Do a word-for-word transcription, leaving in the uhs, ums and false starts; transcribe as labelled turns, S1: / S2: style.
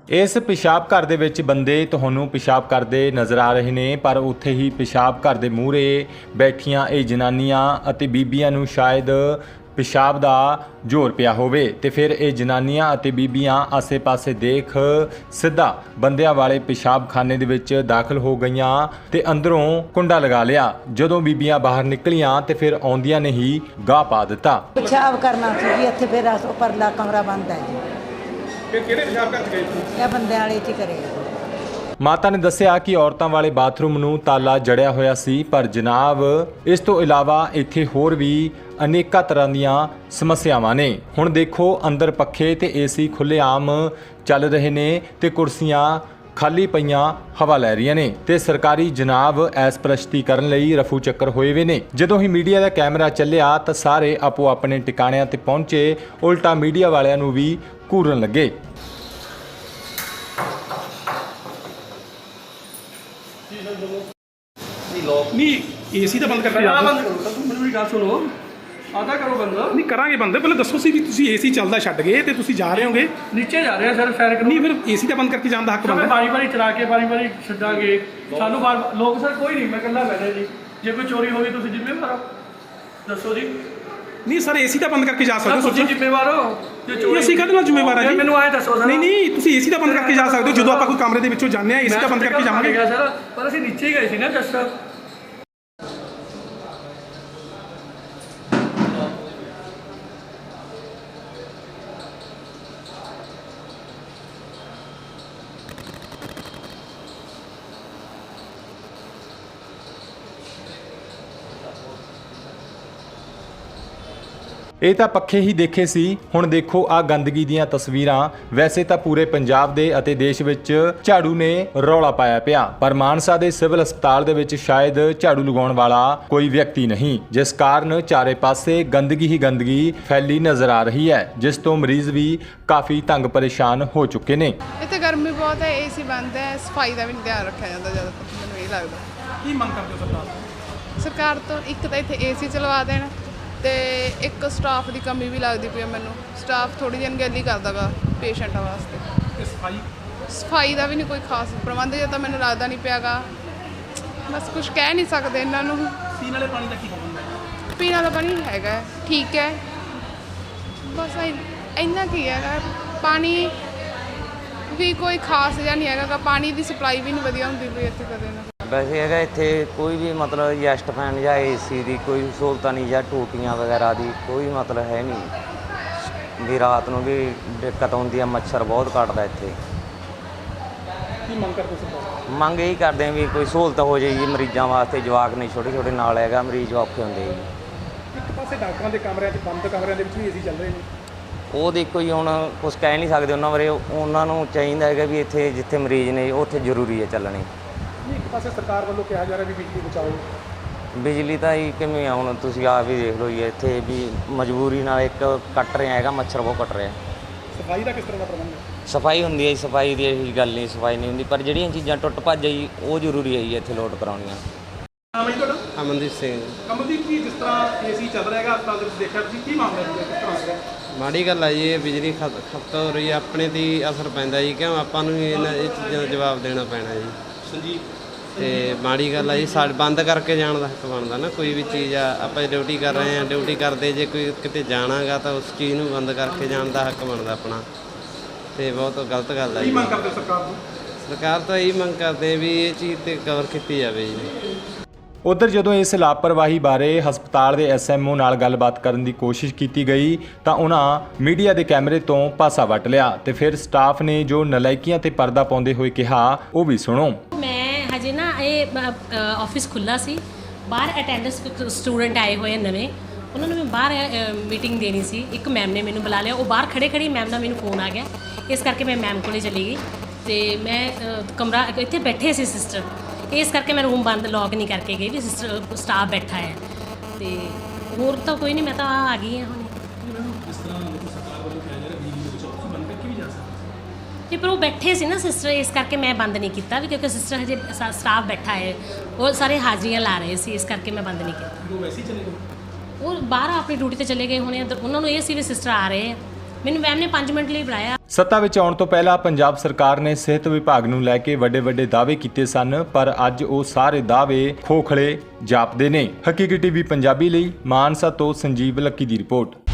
S1: इस पेशाब घर दे विच बंदे तुहानूं पेशाब करते नज़र आ रहे ने, पर उत्थे ही पेशाब घर दे मूहरे बैठियां ये जनानियां अते बीबियां नूं शायद पेशाब दा जोर पिया होवे ते फिर ये जनानियां अते बीबियां आसे पासे देख सिद्धा बंदियां वाले पेशाब खाने दे विच दाखिल हो गईयां ते अंदरों कुंडा लगा लिया। जदों बीबियां बाहर निकलियां ते फिर आउंदियां ने ही गाह पा दिता।
S2: पेशाब करना सी जी, इत्थे फिर परला कमरा बंद है जी।
S3: फिर किहड़े पेशाब करके गए थे?
S2: ਇਹ ਬੰਦੇ ਵਾਲੇ ਚ ਕਰੇਗਾ।
S1: ਮਾਤਾ ਨੇ ਦੱਸਿਆ ਕਿ ਔਰਤਾਂ ਵਾਲੇ ਬਾਥਰੂਮ ਨੂੰ ਤਾਲਾ ਜੜਿਆ ਹੋਇਆ ਸੀ, ਪਰ ਜਨਾਬ ਇਸ ਤੋਂ ਇਲਾਵਾ ਇੱਥੇ ਹੋਰ ਵੀ ਅਨੇਕਾਂ ਤਰ੍ਹਾਂ ਦੀਆਂ ਸਮੱਸਿਆਵਾਂ ਨੇ। ਹੁਣ ਦੇਖੋ ਅੰਦਰ ਪੱਖੇ ਤੇ ਏਸੀ ਖੁੱਲ੍ਹੇਆਮ ਚੱਲ ਰਹੇ ਨੇ ਤੇ ਕੁਰਸੀਆਂ ਖਾਲੀ ਪਈਆਂ ਹਵਾ ਲੈ ਰਹੀਆਂ ਨੇ ਤੇ ਸਰਕਾਰੀ ਜਨਾਬ ਐਸ ਪ੍ਰਸ਼ਤੀ ਕਰਨ ਲਈ ਰਫੂ ਚੱਕਰ ਹੋਏ ਵੇ ਨੇ। ਜਦੋਂ ਹੀ ਮੀਡੀਆ ਦਾ ਕੈਮਰਾ ਚੱਲਿਆ ਤਾਂ ਸਾਰੇ ਆਪੋ ਆਪਣੇ ਟਿਕਾਣਿਆਂ ਤੇ ਪਹੁੰਚੇ, ਉਲਟਾ ਮੀਡੀਆ ਵਾਲਿਆਂ ਨੂੰ ਵੀ ਘੂਰਨ ਲੱਗੇ।
S3: नहीं एसी तो बंद करके
S4: ਪਹਿਲਾਂ ਬੰਦ ਕਰੋ ਤਾਂ ਮੈਨੂੰ ਵੀ ਗੱਲ ਸੁਣੋ ਆਦਾ ਕਰੋ ਬੰਦ
S3: नहीं करांगे बंद। पहले दसो सी भी तुसी एसी ਚੱਲਦਾ ਛੱਡ ਗਏ ਤੇ ਤੁਸੀਂ ਜਾ ਰਹੇ ਹੋਗੇ।
S4: ਨੀਚੇ ਜਾ ਰਹੇ ਆ ਸਰ ਸੈਰ ਕਰੋ
S3: ਨਹੀਂ ਫਿਰ ਏਸੀ ਤਾਂ ਬੰਦ ਕਰਕੇ ਜਾਣ ਦਾ ਹੱਕ
S4: ਮੈਂ
S3: ਬਣਦਾ।
S4: ਵਾਰੀ ਵਾਰੀ ਚਲਾ ਕੇ ਵਾਰੀ ਵਾਰੀ ਛੱਡਾਂਗੇ ਸਾਨੂੰ ਬਾਰ ਲੋਕ ਸਰ ਕੋਈ ਨਹੀਂ, ਮੈਂ ਇਕੱਲਾ ਬੈਠਾ ਜੀ। ਜੇ ਕੋਈ ਚੋਰੀ ਹੋ ਗਈ ਤੁਸੀਂ ਜ਼ਿੰਮੇਵਾਰ ਹੋ, ਦੱਸੋ ਜੀ।
S3: ਨਹੀਂ ਸਰ ਏਸੀ ਤਾਂ ਬੰਦ ਕਰਕੇ ਜਾ ਸਕਦੇ ਹੋ।
S4: ਤੁਸੀਂ
S3: ਸੋਚੋ
S4: ਜ਼ਿੰਮੇਵਾਰ ਹੋ ਜੇ ਚੋਰੀ
S3: ਅਸੀਂ ਕਾਹਦੇ ਨਾਲ ਜ਼ਿੰਮੇਵਾਰ ਆ ਜੀ?
S4: ਮੈਨੂੰ ਆਏ ਦੱਸੋ ਸਰ।
S3: ਨਹੀਂ ਨਹੀਂ ਤੁਸੀਂ ਏਸੀ ਤਾਂ ਬੰਦ ਕਰਕੇ ਜਾ ਸਕਦੇ ਹੋ। ਜਦੋਂ ਆਪਾਂ ਕੋਈ ਕਮਰੇ ਦੇ ਵਿੱਚੋਂ ਜਾਂਦੇ ਆ ਏਸੀ ਤਾਂ ਬੰਦ ਕਰਕੇ ਜਾਵਾਂਗੇ
S4: ਸਰ, ਪਰ ਅਸੀਂ ਨੀਚੇ ਹੀ ਗਏ ਸੀ ਨਾ ਜਸਟ।
S1: ਇਹ ਤਾਂ ਪੱਖੇ ਹੀ ਦੇਖੇ ਸੀ, ਹੁਣ ਦੇਖੋ ਆ ਗੰਦਗੀ ਦੀਆਂ ਤਸਵੀਰਾਂ। ਵੈਸੇ ਤਾਂ ਪੂਰੇ ਪੰਜਾਬ ਦੇ ਅਤੇ ਦੇਸ਼ ਵਿੱਚ ਝਾੜੂ ਨੇ ਰੌਲਾ ਪਾਇਆ ਪਿਆ, ਪਰ ਮਾਨਸਾ ਦੇ ਸਿਵਲ ਹਸਪਤਾਲ ਦੇ ਵਿੱਚ ਸ਼ਾਇਦ ਝਾੜੂ ਲਗਾਉਣ ਵਾਲਾ ਕੋਈ ਵਿਅਕਤੀ ਨਹੀਂ, ਜਿਸ ਕਾਰਨ ਚਾਰੇ ਪਾਸੇ ਗੰਦਗੀ ਹੀ ਗੰਦਗੀ ਫੈਲੀ ਨਜ਼ਰ ਆ ਰਹੀ ਹੈ, ਜਿਸ ਤੋਂ ਮਰੀਜ਼ ਵੀ ਕਾਫੀ ਤੰਗ ਪਰੇਸ਼ਾਨ ਹੋ ਚੁੱਕੇ ਨੇ।
S5: ਇੱਥੇ ਗਰਮੀ ਬਹੁਤ ਹੈ, ਏਸੀ ਬੰਦ ਹੈ, ਸਫਾਈ ਦਾ ਵੀ ਨਹੀਂ ਧਿਆਨ ਰੱਖਿਆ ਜਾਂਦਾ ਜ਼ਿਆਦਾਤਰ, ਮੈਨੂੰ ਇਹ ਲੱਗਦਾ।
S3: ਕੀ ਮੰਗ ਕਰਦੇ ਹੋ ਸਰਕਾਰ ਤੋਂ?
S5: ਸਰਕਾਰ ਤੋਂ ਇੱਕ ਤਾਂ ਇੱਥੇ ਏਸੀ ਚਲਵਾ ਦੇਣ ਤੇ ਇੱਕ ਸਟਾਫ ਦੀ ਕਮੀ ਵੀ ਲੱਗਦੀ ਪਈ ਹੈ ਮੈਨੂੰ। ਸਟਾਫ ਥੋੜੀ ਜਿਹੀ ਅਣਗਹਿਲੀ ਕਰਦਾ ਗਾ ਪੇਸ਼ੈਂਟਾਂ ਵਾਸਤੇ।
S3: ਤੇ ਸਫਾਈ
S5: ਸਫਾਈ ਦਾ ਵੀ ਨਹੀਂ ਕੋਈ ਖਾਸ ਪ੍ਰਬੰਧ ਜਿਹਾ ਤਾਂ ਮੈਨੂੰ ਲੱਗਦਾ ਨਹੀਂ ਪਿਆ ਗਾ। ਬਸ ਕੁਝ ਕਹਿ ਨਹੀਂ ਸਕਦੇ ਇਹਨਾਂ ਨੂੰ।
S3: ਪੀਣ ਵਾਲੇ ਪਾਣੀ ਦਾ ਕੀ ਹੋਊਗਾ?
S5: ਪੀਣ ਵਾਲਾ ਪਾਣੀ ਹੈਗਾ ਹੈ, ਠੀਕ ਹੈ, ਬਸ ਇ- ਇੰਨਾ ਕੀ ਹੈਗਾ। ਪਾਣੀ ਵੀ ਕੋਈ ਖਾਸ ਜਿਹਾ ਨਹੀਂ ਹੈਗਾ ਗਾ। ਪਾਣੀ ਦੀ ਸਪਲਾਈ ਵੀ ਨਹੀਂ ਵਧੀਆ ਹੁੰਦੀ ਪਈ ਇੱਥੇ ਕਦੇ ਨਾ।
S6: ਵੈਸੇ ਹੈਗਾ ਇੱਥੇ ਕੋਈ ਵੀ ਮਤਲਬ ਜੈਸਟ ਫੈਨ ਜਾਂ ਏਸੀ ਦੀ ਕੋਈ ਸਹੂਲਤਾਂ ਨਹੀਂ, ਜਾਂ ਟੂਟੀਆਂ ਵਗੈਰਾ ਦੀ ਕੋਈ ਮਤਲਬ ਹੈ ਨਹੀਂ ਵੀ ਰਾਤ ਨੂੰ ਵੀ ਦਿੱਕਤ ਆਉਂਦੀ ਆ। ਮੱਛਰ ਬਹੁਤ ਕੱਟਦਾ ਇੱਥੇ।
S3: ਕੀ ਮੰਗ ਕਰਦੇ ਹੋ ਸਰਕਾਰ?
S6: ਮੰਗ ਇਹੀ ਕਰਦੇ ਆ ਵੀ ਕੋਈ ਸਹੂਲਤ ਹੋ ਜਾਏ ਜੀ ਮਰੀਜ਼ਾਂ ਵਾਸਤੇ। ਜਵਾਕ ਨਹੀਂ ਛੋਟੇ ਛੋਟੇ ਨਾਲ ਹੈਗਾ, ਮਰੀਜ਼ ਔਖੇ ਹੁੰਦੇ ਜੀ।
S3: ਇੱਕ ਪਾਸੇ ਡਾਕਟਰਾਂ ਦੇ ਕਮਰਿਆਂ 'ਚ ਬੰਦ ਕਮਰਿਆਂ ਦੇ ਵਿੱਚ ਵੀ ਏਸੀ ਚੱਲ ਰਹੇ ਨੇ।
S6: ਉਹ ਦੇਖੋ ਜੀ ਹੁਣ ਕੁਛ ਕਹਿ ਨਹੀਂ ਸਕਦੇ ਉਹਨਾਂ ਬਾਰੇ। ਉਹਨਾਂ ਨੂੰ ਚਾਹੀਦਾ ਹੈਗਾ ਵੀ ਇੱਥੇ ਜਿੱਥੇ ਮਰੀਜ਼ ਨੇ ਉੱਥੇ ਜ਼ਰੂਰੀ ਹੈ ਚੱਲਣੀ।
S3: ਇੱਕ ਪਾਸੇ ਸਰਕਾਰ ਵੱਲੋਂ ਕਿਹਾ ਜਾ ਰਿਹਾ ਵੀ ਬਿਜਲੀ ਬਚਾਓ।
S6: ਬਿਜਲੀ ਤਾਂ ਹੀ ਕਿਵੇਂ ਆ, ਹੁਣ ਤੁਸੀਂ ਆਪ ਹੀ ਦੇਖ ਲਓ ਜੀ। ਇੱਥੇ ਵੀ ਮਜਬੂਰੀ ਨਾਲ ਇੱਕ ਕੱਟ ਰਿਹਾ ਹੈਗਾ, ਮੱਛਰ ਬਹੁਤ ਕੱਟ ਰਿਹਾ।
S3: ਸਫਾਈ ਦਾ ਕਿਸ ਤਰ੍ਹਾਂ ਦਾ ਪ੍ਰਬੰਧ ਹੈ?
S6: ਸਫਾਈ ਹੁੰਦੀ ਹੈ ਜੀ, ਸਫਾਈ ਦੀ ਇਹੀ ਗੱਲ ਨਹੀਂ, ਸਫਾਈ ਨਹੀਂ ਹੁੰਦੀ, ਪਰ ਜਿਹੜੀਆਂ ਚੀਜ਼ਾਂ ਟੁੱਟ ਭੱਜ ਜੀ ਉਹ ਜ਼ਰੂਰੀ ਹੈ ਜੀ ਇੱਥੇ ਲੋਡ ਕਰਾਉਣੀਆਂ।
S3: ਨਾਮ ਹੈ ਜੀ ਤੁਹਾਡਾ?
S7: ਅਮਨਦੀਪ ਸਿੰਘ।
S3: ਕਮਲਦੀਪ ਜੀ, ਜਿਸ ਤਰ੍ਹਾਂ ਏਸੀ ਚੱਲ ਰਿਹਾ ਹੈਗਾ ਹਸਪਤਾਲ ਦੇ ਵਿੱਚ, ਦੇਖਿਆ ਤੁਸੀਂ ਕੀ ਮਾਮਲਾ ਹੈ? ਕਿਸ ਤਰ੍ਹਾਂ ਹੋ ਰਿਹਾ?
S7: ਮਾੜੀ ਗੱਲ ਆ ਜੀ, ਇਹ ਬਿਜਲੀ ਖਪਤ ਖਪਤ ਹੋ ਰਹੀ ਹੈ, ਆਪਣੇ 'ਤੇ ਹੀ ਅਸਰ ਪੈਂਦਾ ਜੀ। ਕਿਉਂ ਆਪਾਂ ਨੂੰ ਹੀ ਇਹਨਾਂ ਇਹ ਚੀਜ਼ਾਂ ਦਾ ਜਵਾਬ ਦੇਣਾ ਪੈਣਾ ਜੀ।
S3: ਸੰਜੀਵ
S7: ਤੇ ਮਾੜੀ ਗੱਲ ਆ ਜੀ, ਸਾਡੇ ਬੰਦ ਕਰਕੇ ਜਾਣ ਦਾ ਹੱਕ ਬਣਦਾ ਨਾ। ਕੋਈ ਵੀ ਚੀਜ਼ ਆ, ਆਪਾਂ ਡਿਊਟੀ ਕਰ ਰਹੇ ਹਾਂ, ਡਿਊਟੀ ਕਰਦੇ ਜੇ ਕੋਈ ਕਿਤੇ ਜਾਣਾਗਾ ਤਾਂ ਉਸ ਚੀਜ਼ ਨੂੰ ਬੰਦ ਕਰਕੇ ਜਾਣ ਦਾ ਹੱਕ ਬਣਦਾ ਆਪਣਾ। ਤੇ ਬਹੁਤ ਗਲਤ ਗੱਲ ਆ
S3: ਕੀ
S7: ਜੀ।
S3: ਮੰਗ ਕਰਦੇ ਹੋ ਸਰਕਾਰ ਤੋਂ?
S7: ਸਰਕਾਰ ਤਾਂ ਇਹੀ ਮੰਗ ਕਰਦੇ ਵੀ ਇਹ ਚੀਜ਼ 'ਤੇ ਕਵਰ ਕੀਤੀ ਜਾਵੇ ਜੀ।
S1: ਉਧਰ ਜਦੋਂ ਇਸ ਲਾਪਰਵਾਹੀ ਬਾਰੇ ਹਸਪਤਾਲ ਦੇ ਐਸ ਐਮ ਓ ਨਾਲ ਗੱਲਬਾਤ ਕਰਨ ਦੀ ਕੋਸ਼ਿਸ਼ ਕੀਤੀ ਗਈ ਤਾਂ ਉਹਨਾਂ ਮੀਡੀਆ ਦੇ ਕੈਮਰੇ ਤੋਂ ਪਾਸਾ ਵੱਟ ਲਿਆ ਤੇ ਫਿਰ ਸਟਾਫ ਨੇ ਜੋ ਨਲਾਇਕੀਆਂ ਤੇ ਪਰਦਾ ਪਾਉਂਦੇ ਹੋਏ ਕਿਹਾ ਉਹ ਵੀ ਸੁਣੋ।
S8: ਮੈਂ ਹਜੇ ਨਾ ਇਹ ਆਫਿਸ ਖੁੱਲ੍ਹਾ ਸੀ, ਬਾਹਰ ਅਟੈਂਡੈਂਸ ਸਟੂਡੈਂਟ ਆਏ ਹੋਏ ਨਵੇਂ, ਉਹਨਾਂ ਨੂੰ ਮੈਂ ਬਾਹਰ ਮੀਟਿੰਗ ਦੇਣੀ ਸੀ। ਇੱਕ ਮੈਮ ਨੇ ਮੈਨੂੰ ਬੁਲਾ ਲਿਆ, ਉਹ ਬਾਹਰ ਖੜੇ ਖੜੀ ਮੈਮ ਦਾ ਮੈਨੂੰ ਫੋਨ ਆ ਗਿਆ, ਇਸ ਕਰਕੇ ਮੈਂ ਮੈਮ ਕੋਲੇ ਚਲੀ ਗਈ। ਤੇ ਮੈਂ ਕਮਰਾ ਇੱਥੇ ਬੈਠੇ ਸੀ ਸਿਸਟਰ, ਇਸ ਕਰਕੇ ਮੈਂ ਰੂਮ ਬੰਦ ਲੌਕ ਨਹੀਂ ਕਰਕੇ ਗਈ ਵੀ ਸਿਸਟਰ ਸਟਾਫ ਬੈਠਾ ਹੈ। ਤੇ ਹੋਰ ਤਾਂ ਕੋਈ ਨਹੀਂ, ਮੈਂ ਤਾਂ ਆ ਗਈ ਹਾਂ ਹੁਣ।
S3: ਜਿਸ ਤਰ੍ਹਾਂ ਸਰਕਾਰ ਵੱਲੋਂ ਕਿਹਾ ਜਾ ਰਿਹਾ ਬਿਜਲੀ ਦੇ ਵਿੱਚ ਤੁਸੀਂ ਬੰਦ ਕਰਕੇ ਵੀ ਜਾ ਸਕਦੇ।
S8: ਤੇ ਪਰ ਉਹ ਬੈਠੇ ਸੀ ਨਾ ਸਿਸਟਰ, ਇਸ ਕਰਕੇ ਮੈਂ ਬੰਦ ਨਹੀਂ ਕੀਤਾ ਵੀ, ਕਿਉਂਕਿ ਸਿਸਟਰ ਹਜੇ ਸਟਾਫ ਬੈਠਾ ਹੈ, ਉਹ ਸਾਰੇ ਹਾਜ਼ਰੀਆਂ ਲਾ ਰਹੇ ਸੀ, ਇਸ ਕਰਕੇ ਮੈਂ ਬੰਦ ਨਹੀਂ ਕੀਤਾ।
S3: ਉਹ ਵੈਸੇ ਹੀ ਚਲੇ ਗਏ?
S8: ਉਹ ਬਾਹਰ ਆਪਣੀ ਡਿਊਟੀ ਤੇ ਚਲੇ ਗਏ ਹੋਣੇ। ਉਹਨਾਂ ਨੂੰ ਇਹ ਸੀ ਵੀ ਸਿਸਟਰ ਆ ਰਹੇ ਆ, ਮੈਨੂੰ ਮੈਮ ਨੇ ਪੰਜ ਮਿੰਟ ਲਈ ਬੁਲਾਇਆ।
S1: ਸੱਤਾ ਵਿੱਚ ਆਉਣ ਤੋਂ ਪਹਿਲਾਂ ਪੰਜਾਬ ਸਰਕਾਰ ਨੇ ਸਿਹਤ ਵਿਭਾਗ ਨੂੰ ਲੈ ਕੇ ਵੱਡੇ ਵੱਡੇ ਦਾਅਵੇ ਕੀਤੇ ਸਨ, ਪਰ ਅੱਜ ਉਹ ਸਾਰੇ ਦਾਅਵੇ ਖੋਖਲੇ ਜਾਪਦੇ ਨੇ। ਹਕੀਕੀ ਟੀਵੀ ਪੰਜਾਬੀ ਲਈ ਮਾਨਸਾ ਤੋਂ ਸੰਜੀਵ ਲੱਕੀ ਦੀ ਰਿਪੋਰਟ।